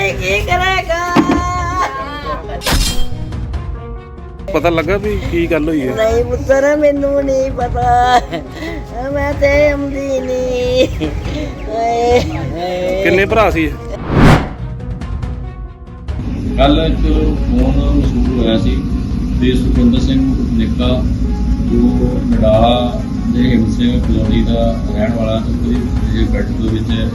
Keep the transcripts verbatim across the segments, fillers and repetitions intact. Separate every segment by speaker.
Speaker 1: ਕੋਈ ਕੀ ਕਰੇਗਾ।
Speaker 2: ਪਤਾ ਲੱਗਾ ਵੀ ਕੀ ਗੱਲ ਹੋਈ ਹੈ?
Speaker 1: ਨਹੀਂ ਪੁੱਤਰ ਮੈਨੂੰ ਨਹੀਂ ਪਤਾ, ਮੈਂ ਤੇ ਆਉਂਦੀ ਨਹੀਂ।
Speaker 2: ਕਿੰਨੇ ਭਰਾ ਸੀ?
Speaker 3: ਕੱਲ ਇੱਕ ਫੋਨ ਮਸੂਲ ਹੋਇਆ ਸੀ ਤੇ ਸੁਖਿੰਦਰ ਸਿੰਘ ਨਿੱਕਾ ਜੋ ਨਡਾਲਾ ਦੇ ਹਿੰਦ ਸਿੰਘ ਕਲੋਨੀ ਦਾ ਰਹਿਣ ਵਾਲਾ ਤੇ ਉਹਦੀ ਬੈੱਡ ਦੇ ਵਿੱਚ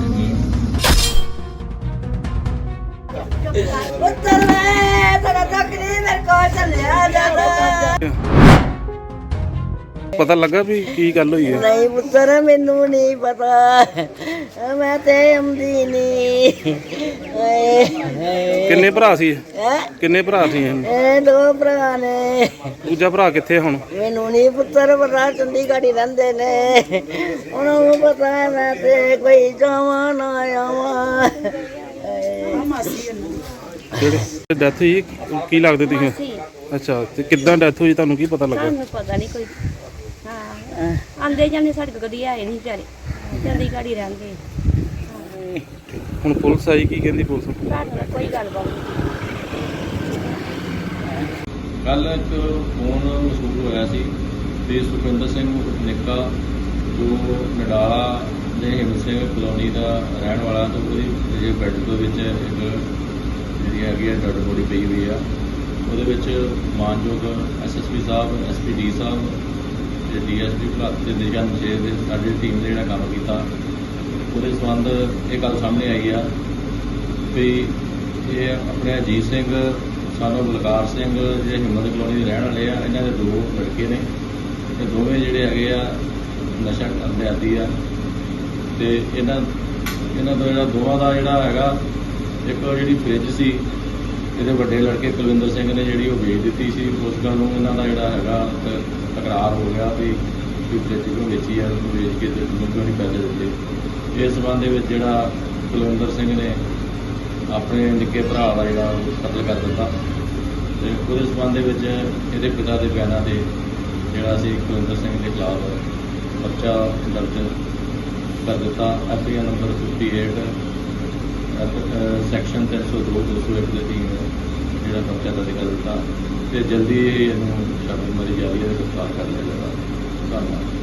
Speaker 1: ਪੁੱਤਰ ਮੈਂ ਤੇਰਾ ਦੁੱਖ ਨਹੀਂ ਮੇਰੇ ਕੋਲ ਚੱਲਿਆ ਜਾਂਦਾ।
Speaker 2: ਪਤਾ ਲੱਗਾ ਵੀ ਕੀ ਗੱਲ ਹੋਈ ਹੈ?
Speaker 1: ਨਹੀਂ ਪੁੱਤਰ ਮੈਨੂੰ ਨਹੀਂ ਪਤਾ, ਮੈਂ ਤੇ ਆਉਂਦੀ ਨਹੀਂ।
Speaker 2: ਕਿੰਨੇ ਭਰਾ ਸੀ?
Speaker 1: ਹੈ
Speaker 2: ਕਿੰਨੇ ਭਰਾ ਸੀ ਇਹ?
Speaker 1: ਇਹ ਦੋ ਭਰਾ ਨੇ।
Speaker 2: ਦੂਜਾ ਭਰਾ ਕਿੱਥੇ ਹੁਣ?
Speaker 1: ਮੈਨੂੰ ਨਹੀਂ ਪੁੱਤਰ ਪਤਾ, ਚੰਡੀਗੜ੍ਹ ਹੀ ਰਹਿੰਦੇ ਨੇ, ਉਹਨਾਂ ਨੂੰ ਪਤਾ ਮੈਂ ਤੇ ਕੋਈ ਜਾਵਾਂ ਨਾ ਆਵਾਂ।
Speaker 4: ਜਿਹੜੇ
Speaker 2: ਡੈਥ ਹੋਈ ਕੀ ਲੱਗਦੇ ਤੁਸੀਂ? ਅੱਛਾ, ਤੇ ਕਿੱਦਾਂ ਡੈਥ ਹੋਈ ਤੁਹਾਨੂੰ ਕੀ ਪਤਾ ਲੱਗਾ?
Speaker 4: ਸਾਨੂੰ ਪਤਾ ਨਹੀਂ ਕੋਈ। ਹਾਂ ਆਂਦੇ ਜਾਂਦੇ ਸਾਡੇ ਕੋਲ ਕਦੀ ਆਏ ਨਹੀਂ ਵਿਚਾਰੇ, ਚੰਡੀਗੜ੍ਹ ਹੀ ਰਹਿੰਦੇ।
Speaker 2: ਹੁਣ ਪੁਲਿਸ ਆਈ, ਕੀ ਕਹਿੰਦੀ ਪੁਲਿਸ?
Speaker 4: ਸਾਡੇ ਨਾਲ ਕੋਈ ਗੱਲਬਾਤ ਨਹੀਂ।
Speaker 3: ਕੱਲ ਇੱਕ ਫੋਨ ਮਸੂਲ ਹੋਇਆ ਸੀ ਤੇ ਸੁਖਿੰਦਰ ਸਿੰਘ ਨਿੱਕਾ ਜੋ ਨਡਾਲਾ ਦੇ ਹਿੰਦ ਸਿੰਘ ਕਲੋਨੀ ਦਾ ਰਹਿਣ ਵਾਲਾ ਤੇ ਉਹਦੀ ਬੈੱਡ ਦੇ ਵਿੱਚ ਇੱਕ ਜਿਹੜੀ ਹੈਗੀ ਆ ਡੈਡ ਬੋਡੀ ਪਈ ਹੋਈ ਆ। ਉਹਦੇ ਵਿੱਚ ਮਾਨਯੋਗ ਐਸ ਐਸ ਪੀ ਸਾਹਿਬ, ਐਸ ਪੀ ਡੀ ਸਾਹਿਬ ਤੇ ਡੀ ਐਸ ਪੀ ਭਲਾਤ ਤੇ ਦਿਸ਼ਾ ਨਿਸ਼ੇਧ ਦੇ ਸਾਡੀ ਟੀਮ ਨੇ ਜਿਹੜਾ ਕੰਮ ਕੀਤਾ, ਉਹਦੇ ਸੰਬੰਧ ਇਹ ਗੱਲ ਸਾਹਮਣੇ ਆਈ ਆ ਵੀ ਇਹ ਆਪਣੇ ਅਜੀਤ ਸਿੰਘ ਸਾਨੂੰ ਬਲਕਾਰ ਸਿੰਘ ਜਿਹੜੇ ਹਿੰਮਤ ਕਲੋਨੀ ਦੇ ਰਹਿਣ ਵਾਲੇ ਆ, ਇਹਨਾਂ ਦੇ ਦੋ ਲੜਕੇ ਨੇ ਤੇ ਦੋਵੇਂ ਜਿਹੜੇ ਹੈਗੇ ਆ ਨਸ਼ਾ ਕਰਦੇ ਆਦੀ ਆ। ਤੇ ਇਹਨਾਂ ਇਹਨਾਂ ਦਾ ਜਿਹੜਾ ਦੋਵਾਂ ਦਾ ਜਿਹੜਾ ਹੈਗਾ ਇੱਕ ਜਿਹੜੀ ਫ੍ਰਿਜ ਸੀ ਇਹਦੇ ਵੱਡੇ ਲੜਕੇ ਕੁਲਵਿੰਦਰ ਸਿੰਘ ਨੇ ਜਿਹੜੀ ਉਹ ਵੇਚ ਦਿੱਤੀ ਸੀ। ਉਸ ਗੱਲ ਨੂੰ ਇਹਨਾਂ ਦਾ ਜਿਹੜਾ ਹੈਗਾ ਤਕਰਾਰ ਹੋ ਗਿਆ ਵੀ ਫ੍ਰਿਜ ਕਿਉਂ ਵੇਚੀ ਆ, ਉਹਨੂੰ ਵੇਚ ਕੇ ਤੇ ਉਹਨੂੰ ਕਿਉਂ ਨਹੀਂ ਪੈਸੇ ਦਿੱਤੇ। ਇਸ ਸੰਬੰਧ ਦੇ ਵਿੱਚ ਜਿਹੜਾ ਕੁਲਵਿੰਦਰ ਸਿੰਘ ਨੇ ਆਪਣੇ ਨਿੱਕੇ ਭਰਾ ਦਾ ਜਿਹੜਾ ਕਤਲ ਕਰ ਦਿੱਤਾ ਤੇ ਉਹਦੇ ਸੰਬੰਧ ਦੇ ਵਿੱਚ ਇਹਦੇ ਪਿਤਾ ਦੇ ਬਿਆਨਾਂ ਤੇ ਜਿਹੜਾ ਸੀ ਕੁਲਵਿੰਦਰ ਸਿੰਘ ਦੇ ਖਿਲਾਫ ਪਰਚਾ ਦਰਜ ਕਰ ਦਿੱਤਾ। ਐਫ ਆਈ ਆਰ ਨੰਬਰ ਅਠਾਸੀ ਸੈਕਸ਼ਨ ਤਿੰਨ ਸੌ ਦੋ ਦੋ ਸੌ ਇੱਕ ਦੇ ਅਧੀਨ ਜਿਹੜਾ ਪਰਚਾ ਦਰਜ ਕਰ ਦਿੱਤਾ ਤੇ ਜਲਦੀ ਇਹਨੂੰ ਛਾਪੇਮਾਰੀ ਜਾਰੀ ਹੈ, ਗ੍ਰਿਫਤਾਰ ਕਰ ਲਿਆ ਜਾਵੇਗਾ। ਧੰਨਵਾਦ।